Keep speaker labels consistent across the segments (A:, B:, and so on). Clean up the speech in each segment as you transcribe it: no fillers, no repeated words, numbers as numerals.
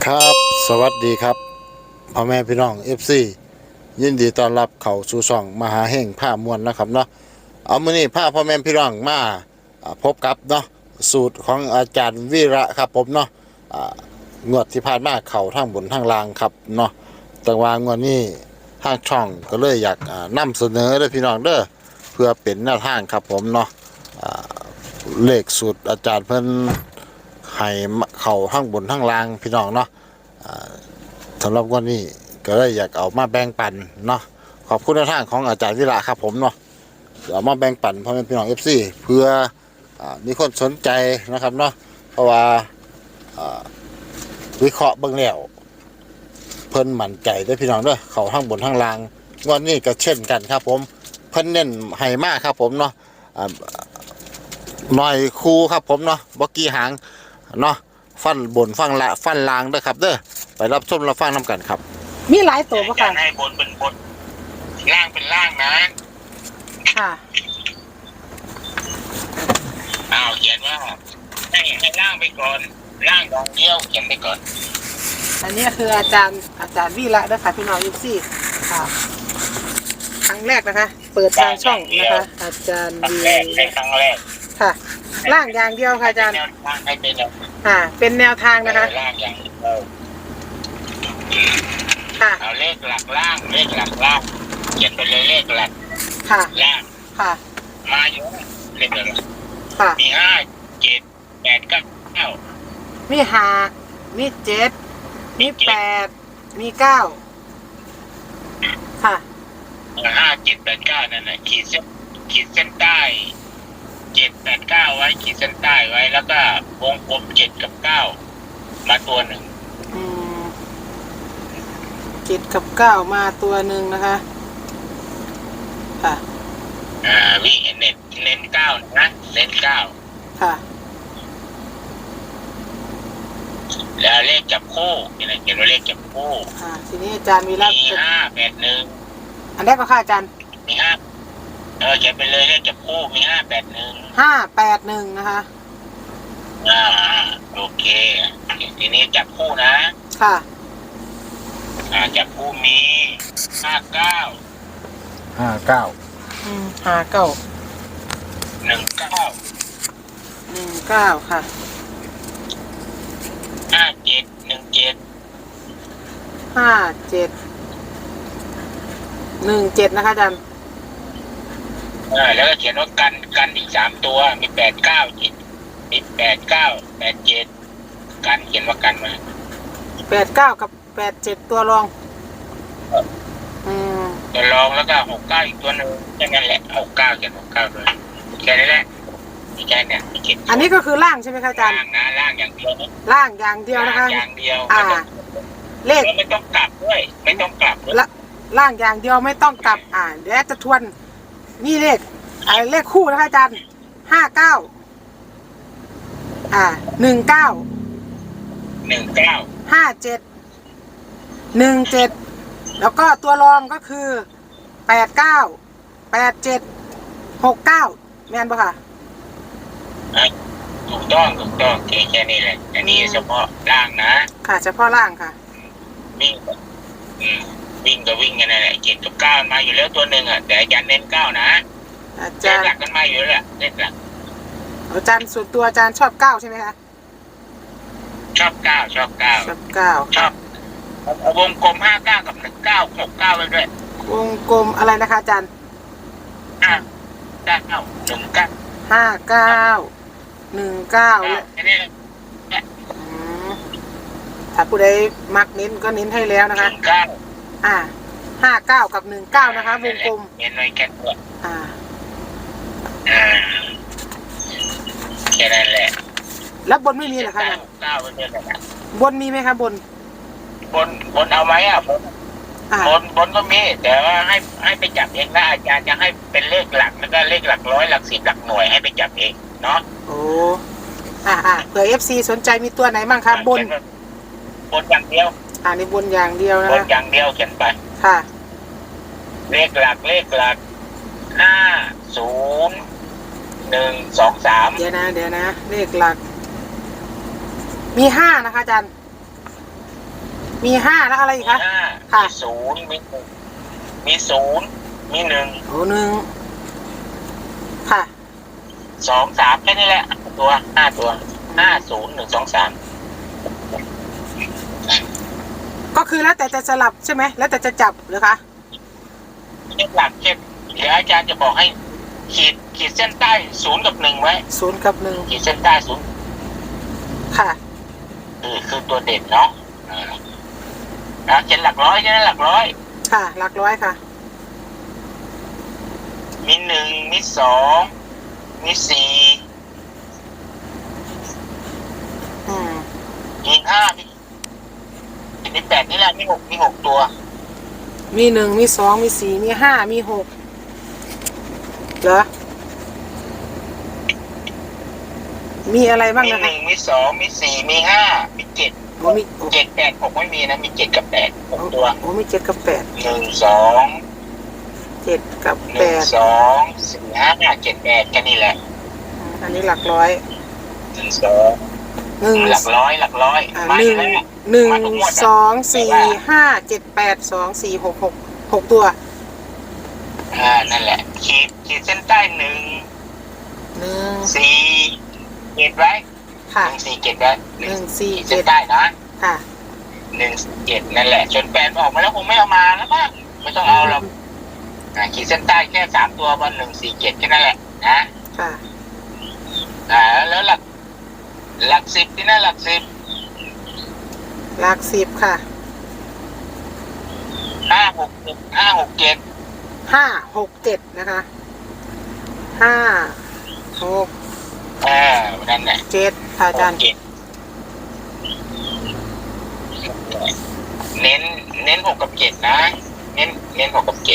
A: ครับสวัสดีครับพ่อแม่พี่น้องFCยินดีต้อนรับเข้าสู่ช่องมหาเฮงผ้ามวลนะครับเนาะเอามื้อนี้พาพ่อแม่พี่น้องมาพบกับเนาะสูตรของอาจารย์วีระครับผมเนาะอ่างวดที่ผ่านมาเข้าทั้งบนทั้งล่างครับเนาะแต่ว่างวดนี้ทางช่องก็เลยอยากนำเสนอเด้อพี่น้องเด้อเพื่อเป็นแนวทางครับผมเนาะอ่าเลขสูตรอาจารย์เพิ่นให้เข้าทั้งบนทั้งล่างพี่น้องเนาะ สำหรับวันนี้ก็เลยอยากเอามาแบ่งปันเนาะขอบคุณในทางของอาจารย์วิระครับผมเนาะเอามาแบ่งปันพ่อแม่พี่น้องFCเพื่อมีคนสนใจนะครับเนาะเพราะว่าวิเคราะห์เบื้องแล้วเพิ่นมั่นใจได้พี่น้องเด้อเขาทั้งบนทั้งล่างวันนี้ก็เช่นกันครับผมเพิ่นเน้นให้มากครับผมเนาะหน่อยคูครับผมเนาะบ่กี่หางเนาะฟันบนฟังละฟันล่างเด้อครับเด้อไปรับชมรับฟังน้ำกันครับ
B: มีหลายตัวปะค่ะ
C: ให้บนเป็นบนล่างเป็นล่างนะ
B: ค่ะ
C: เขียนว่าให้ล่างไปก่อนล่างดองเดียวเขียนไปก่อน
B: อันนี้คืออาจารย์วีระนะคะพี่น้องยุคซี่ค่ะครั้งแรกนะคะเปิดทางช่องนะคะอาจารย์วีระ
C: ครั้งแรก
B: ค่ะล่างอย่างเดียวค่ะอาจารย์
C: ให้เป็น
B: เป็นแนวทางนะคะ
C: ล่างอย่างเดียว
B: ค่ะ
C: เอาเลขหลักล่างเลขหลักล่างเขียนไปเลยเลขหลัก
B: ค่ะ
C: ล่าง
B: ค่ะ
C: มาอยู่เลขหลัก
B: ค่ะ
C: มี5 7 8 9
B: มี5มี7มี8มี9ค่ะ
C: 5 7 8 9นั่นแหละขีดเส้นใต้7 8 9ไว้ขีดเส้นใต้ไว้แล้วก็วงกลม7 กับ 9มาตัวหนึ่ง
B: 7 กับ 9มาตัวหนึ่งนะคะค่ะ
C: วิ่งเน้น9นะเน้น9
B: ค่ะ
C: แล้วเลขจับคู่นี่นะเขียนว่าเลขจับคู่
B: ทีนี้อาจารย์มี
C: 5 8 1
B: อันแรกก็ค่ะอาจารย์
C: มี5เขียนไปเลยเลขจับคู่มี5 8 1
B: 581นะคะ
C: โอเคทีนี้จับคู่นะ
B: ค่ะ
C: จับคู่มี59
B: 19ค่ะ
C: 57
B: นะคะอาจารย์
C: แล้วก็เขียนว่ากันอีก3ตัวมี8 9 7มี8 9 8 7กันเขียนว่ากันมา
B: 89กับ87ตัวรอง
C: ตัวรองแล้วก็69อีกตัวนึงแค่นั้นแหละ69เขียน69เลยแค่นี้แหละแค่เนี่ย
B: อันนี้ก็คือล่างใช่ไหมคะอาจารย์
C: ล่างอย่างเดียว
B: ล่างอย่างเดียวนะคะ
C: อย่างเดียว
B: เลข
C: ไม่ต้องกลับด้วยไม่ต้องกลับ
B: ล่างอย่างเดียวไม่ต้องกลับเดี๋ยวจะทวนนี่เลขคู่นะคะอาจารย์59 19 57 17แล้วก็ตัวรองก็คือ89 87 69แม่นปะค่ะ
C: ถูกต้องแค่นี้แหละอันนี้เฉพาะล่างนะ
B: ค่ะเฉพาะล่างค่ะ
C: วิ่งก็วิ่งกันนั่นแหละ7 กับ 9มาอยู่แล้วตัวหนึ่งแต่อาจารย์เน้น9นะ
B: อาจารย์
C: หลักกันมาอยู่แล้วแหละเลขหลัก
B: อาจารย์ส่วนตัวอาจารย์ชอบ9ใช่ไหมคะ
C: ชอบ9ชอบวงกลม59กับ19 69ไว้ด้วย
B: วงกลมอะไรนะคะอาจารย์59 ถ้าผู้ใดมักเน้นก็เน้นให้แล้วนะคะ59กับ19นะคะวงกลม
C: เน้นไว้แค่ตัวแค่นั้นแหละ
B: แล้วบนไม่มีเหรอคะบนมีไหมคะบน
C: เอาไหมบนก็มีแต่ว่าให้ไปจับเองนะอาจารย์จะให้เป็นเลขหลักแล้วก็เลขหลักร้อยหลัก10หลักหน่วยให้ไปจับเองเนาะ
B: โอ้เผื่อ FC สนใจมีตัวไหนบ้างคะบน
C: อย่างเดียว
B: ในบนอย่างเดียวนะ
C: บนอย่างเดียวเขียนไป
B: ค่ะ
C: เลขหลัก5 0 1 2 3
B: เดี๋ยวนะเลขหลักมี5นะคะอาจารย์มี5แล้วอะไรอีกคะ
C: มี
B: ค่ะ
C: 5 มี 0 มี มี 0 มี 1
B: โอ้1ค่ะ
C: 2 3แค่นี้แหละตัว5ตัว5 0 1 2 3
B: ก็คือแล้วแต่จะสลับใช่ไหมแล้วแต่จะจับหรือคะ
C: หลักเช่นเดี๋ยวอาจารย์จะบอกให้ขีดเส้นใต้0 กับ 1ไว้
B: 0 กับ
C: ขีดเส้นใต้0
B: 1ค่ะ
C: คือตัวเด่นเนาะเช่นหลักร้อยใช่ไหมหลักร้อย
B: ค่ะหลักร้อยค่ะ
C: มี 1 มี 2 มี 4 มี 5 มี 8นี่แหละมี 6 มี 6 ตัว
B: มี 1 มี 2 มี 4 มี 5 มี 6เหรอมีอะไรบ้าง
C: มี
B: นะคะ
C: 1 มี 2 มี 4 มี 5 มี 7
B: โอ้มี
C: 7 8 6ไม่มีนะมี 7 กับ 8 6 ตัว
B: โอ้มี7 กับ 8
C: 1 2
B: 7 กับ
C: 1 2 4 5 7 8แค่นี้แหละ
B: 8อันนี้หลักร้อย
C: 1 2หลักร้อยมาอยู่แล้ว
B: 1 2 4 5 7 8 2 4 6 6ตัว
C: นั่นแหละขีดเส้นใต้1
B: 1
C: 4 7ไว้
B: ค่ะ
C: 1 4 7ไว้
B: 1
C: ขีด
B: 4
C: เส้นใต้นะ
B: 7ค่ะ
C: 1 7นั่นแหละจนแปดออกมาแล้วคงไม่เอามาแล้วมั้งไม่ต้องเอาหรอกขีดเส้นใต้แค่3 ตัววัน1 4 7แค่นั้นแหละนะ
B: ค่ะ
C: แล้วหลัก10ที่นั่นหลัก10
B: หลัก10ค่ะ
C: 5 6 7 5 6 7
B: 5 6 7นะคะ5 6
C: นั่นแหละ
B: 7ค่ะอาจารย์
C: เน้น6 กับ 7นะเน้น6 กับ 7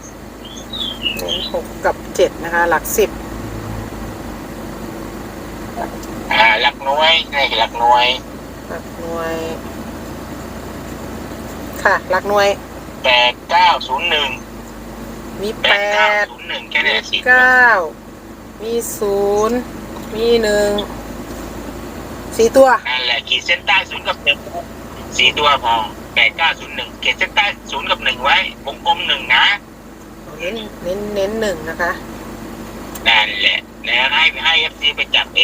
B: 6 กับ 7นะคะหลัก10
C: หลักหน่วยนี่หลักหน่วย
B: หลักหน่วยค่ะหลักหน่วย
C: 8 9 0 1
B: มี
C: 8 9
B: 8
C: 0 1แค่นี้4
B: 9มี0มี1 4ตัว
C: นั่นแหละขีดเส้นใต้0 กับ 1 4 ตัวพอ8 9 0 1ขีดเส้นใต้0 กับ 1ไว้วงกลม1นะ
B: เน้น1นะคะ
C: นั่นแหละแล้วให้ FC ไปจับเอง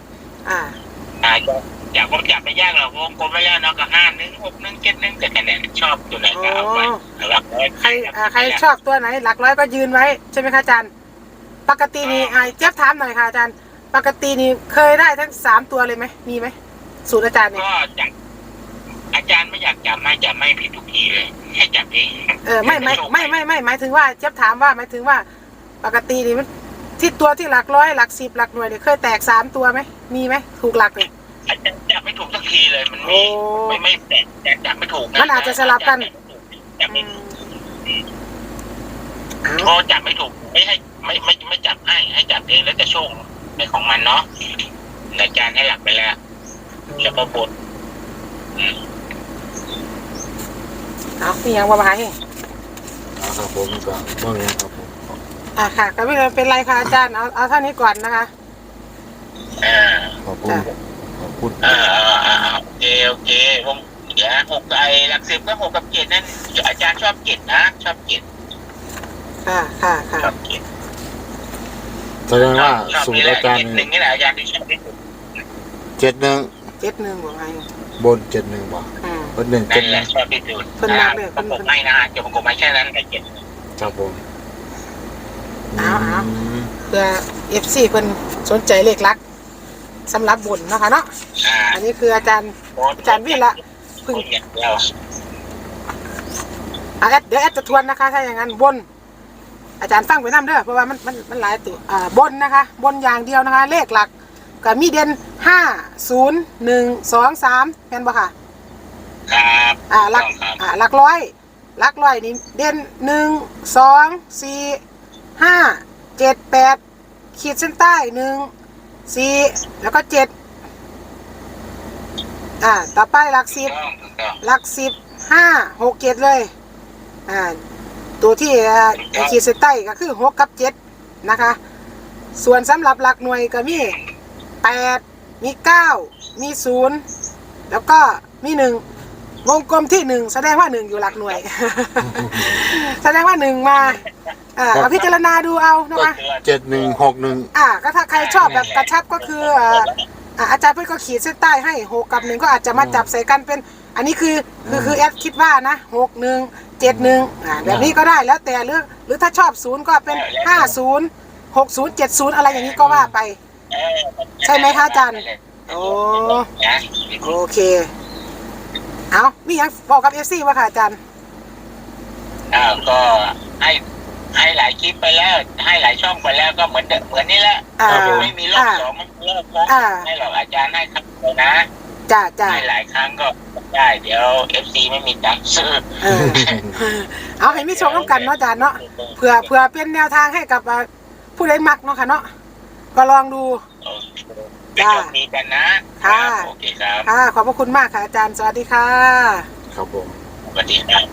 C: อยากผมจับไม่ยากหรอกวงกลมไว้แล้วเนาะก็5 1 6 1 7 1แต่คะแนนชอบตัวไหนก็เอาไปหลักร้อย
B: ใครชอบตัวไหนหลักร้อยก็ยืนไว้ใช่ไหมคะอาจารย์ปกตินี่เจี๊ยบถามหน่อยค่ะอาจารย์ปกตินี่เคยได้ทั้ง3ตัวเลยไหมมีไหมสูตรอาจารย์เนี่ย
C: ก็จับอาจารย์ไม่อยากจับไม่ผิดทุกทีเลยให้จับเอง
B: ไม่หมายถึงว่าเจี๊ยบถามว่าหมายถึงว่าปกตินี่มันที่ตัวที่หลักร้อยหลัก10หลักหน่วยเนี่ยเคยแตก3ตัวไหมมีไหมถูกหลักเลย
C: อาจารย์จับไม่ถูกสักทีเลยมันไม่แตกจับไม่ถูก
B: มันอาจจะสลับกัน
C: จับไม่พอจับไม่ถูกไม่จับให้จับเองแล้วจะโชคในของมันเนาะอาจารย์ให้หลักไปแล้วจะประบด
B: เอาพี่ยังว่ามาให้
A: ครับผมก็ว่าไงครับผม
B: ค่ะก็ไม่เป็นไรค่ะอาจารย์เอาเท่านี้ก่อนนะคะ
A: ขอบคุณ
C: โอเควงเดี๋ยว6หลัก10ก็6 กับ 7นั่นอาจารย์ชอบ7นะชอบ7
B: ค่ะ
C: ชอบ7
A: แสดงว่าสูตรอาจารย์
C: 1นี่แหละอาจารย์ที่ชอบที่สุด
A: 71
B: บอกไง
A: บน71บ่บน1
C: นั่นแหละชอบที่สุด
B: คนมากเลยคน
C: ไม่นะจะประกบไม่แค่นั้นแต่7
A: ครับผม
B: เอาเพื่อ FC เพิ่นสนใจเลขลักสำหรับบนนะคะเนาะอันนี้คืออาจารย์วิละพึ่งเดี๋ยวแอดจะทวนนะคะถ้าอย่างนั้นบนอาจารย์ฟังไปน้ำเด้อเพราะว่ามันหลายตัวบนนะคะบนอย่างเดียวนะคะเลขหลักก็มีเด่น5 0 1 2 3แม่นบ่ค่ะ
C: ครับ
B: หลักร้อยนี่เด่น1 2 4 5 7 8ขีดเส้นใต้1 4แล้วก็7ต่อไปหลัก10 5 6 7เลยตัวที่ขีดเส้นใต้ก็คือ6 กับ 7นะคะส่วนสำหรับหลักหน่วยก็มี8มี9มี0แล้วก็มี1 วงกลมที่1แสดงว่า1อยู่หลักหน่วย แสดงว่า1มาเอาพิจารณาดูเอานะคะ
A: 7161
B: ก็ถ้าใครชอบแบบกระชับก็คืออาจารย์เพื่อนก็ขีดเส้นใต้ให้6กับ1ก็อาจจะมาจับใส่กันเป็นอันนี้คือแอดคิดว่านะ6171แบบนี้ก็ได้แล้วแต่หรือถ้าชอบ0ก็เป็น50 60 70อะไรอย่างนี้ก็ว่าไปใช่ไหมคะอาจารย์โอเคเอามียังบอกกับ FC ว่าค่ะอาจารย์
C: ก็ให้หลายคลิปไปแล้วให้หลายช่องไปแล้วก็เหมือนนี่แหละไม่มีรอบสองมันเลิกโค้งให้หรอกอาจารย์ให้ครับเลยนะ
B: จ้า
C: ให้หลายครั้งก็ได้เดี๋ยว FC ไม่มีตังค์ซื้อ
B: เอาให้มีชมกันเนาะอาจารย์เนาะเผื่อเป็นแนวทางให้กับผู้ใดมักเนาะค่ะเนาะก็ลองดู
C: จ้ามีกันนะ
B: ค่ะ
C: โอเคครับ
B: ขอบพระคุณมากค่ะอาจารย์สวัสดีค่ะ
A: ครับผม
C: สวัสดีครับ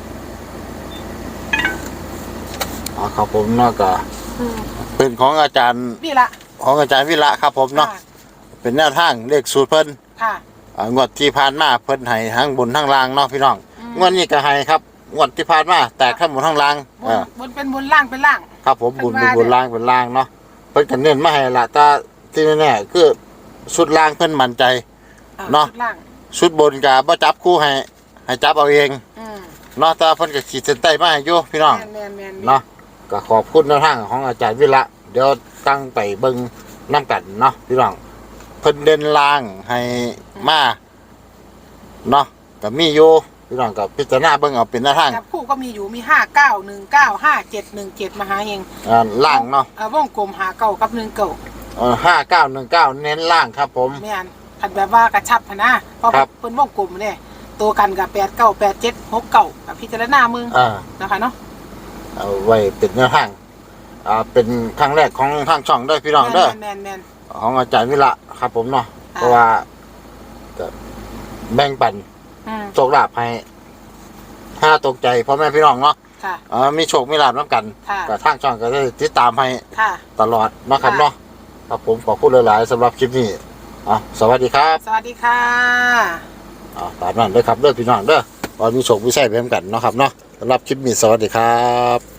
A: ครับผมเนาะก็เป็นของอาจารย์
B: นี่ละ
A: ของอาจารย์วิระครับผมเนาะเป็นแนวทางเลขสูตรเพิ่นงวดที่ผ่านมาเพิ่นให้ทั้งบนทั้งล่างเนาะพี่น้องงวดนี้ก็ให้ครับงวดที่ผ่านมาแตกทั้งบนทั้งล่าง
B: บนเป็นบนล่างเป็นล่าง
A: ครับผมบนล่างเป็นล่างเนาะเพิ่นก็เน้นมาให้ละแต่ที่แน่ๆคือชุดล่างเพิ่นมั่นใจเนาะชุดบนก็บ่จับคู่ให้จับเอาเองเนาะแต่เพิ่นก็ขีดเส้นใต้มาให้อยู่พี่น้องเนาะก็ขอบคุณแนวทางของอาจารย์วิระเดี๋ยวตั้งไปเบิ่งน้ำกันเนาะพี่น้องเพิ่นเดินล่างให้มาเนาะก็มีอยู่พี่น้องกับพิจารณาเบิ่งเอาเป็นแนวทาง
B: คู่ก็มีอยู่มี5919 5717มาหาเอง
A: ล่างเนาะ
B: วงกลม59กับ19
A: 5919เน้นล่างครับผม
B: แม่นคันแบบว่ากระชับนะเพราะเพิ่นวงกลมเนี่ยตัวกันกับ898769กับพิจารณามึงนะคะเนาะ
A: เอาไว้เป็นแนวทางเป็นครั้งแรกของทางช่องด้วยพี่น้องเด้อของอาจารย์วิระครับผมเนาะเพราะว่าแบ่งปันโชคลาภให้ถ้าตกใจพ่อแม่พี่น้องเนาะมีโชคมีลาภน้ำกันกับทางช่องก็ได้ติดตามให้ตลอดนะครับเนาะครับผมขอบคุณหลายๆสำหรับคลิปนี้สวัสดีครับ
B: สวัสดีค่ะ
A: ตามนั้นเลยครับเด้อพี่น้องเด้อตอนมีโชคมีชัยไปน้ำกันเนาะครับเนาะสำหรับคลิปนี้สวัสดีครับ